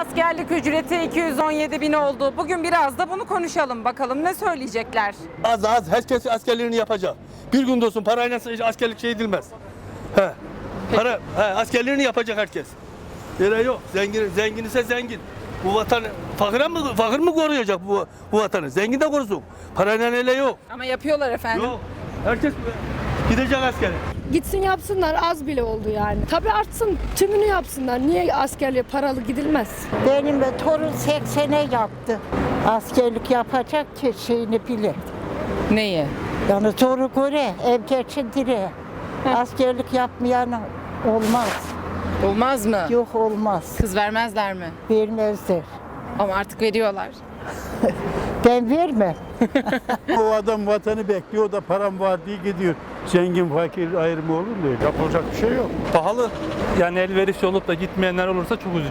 askerlik ücreti 217 bin oldu. Bugün biraz da bunu konuşalım. Bakalım ne söyleyecekler? Az herkes askerliğini yapacak. Bir gün olsun parayla askerlik şey edilmez. Askerliğini yapacak herkes. Öyle yok. Zengin ise zengin. Bu vatan fakir mı koruyacak bu vatanı? Zengin de korusun. Parayla öyle yok. Ama yapıyorlar efendim. Yok. Herkes gidecek askere. Gitsin yapsınlar, az bile oldu yani. Tabii artsın, tümünü yapsınlar. Niye askerliğe paralı gidilmez? Benim torun 80'e yaptı. Askerlik yapacak ki şeyini bilir. Neyi? Yani zoru göre, ev geçindire. Askerlik yapmayan olmaz. Olmaz mı? Yok olmaz. Kız vermezler mi? Vermezler. Ama artık veriyorlar. Ben vermem. O adam vatanı bekliyor, o da param var diye gidiyor. Zengin fakir ayrımı olur mu öyle? Yapılacak bir şey yok. Pahalı. Yani elverişli olup da gitmeyenler olursa çok üzücü.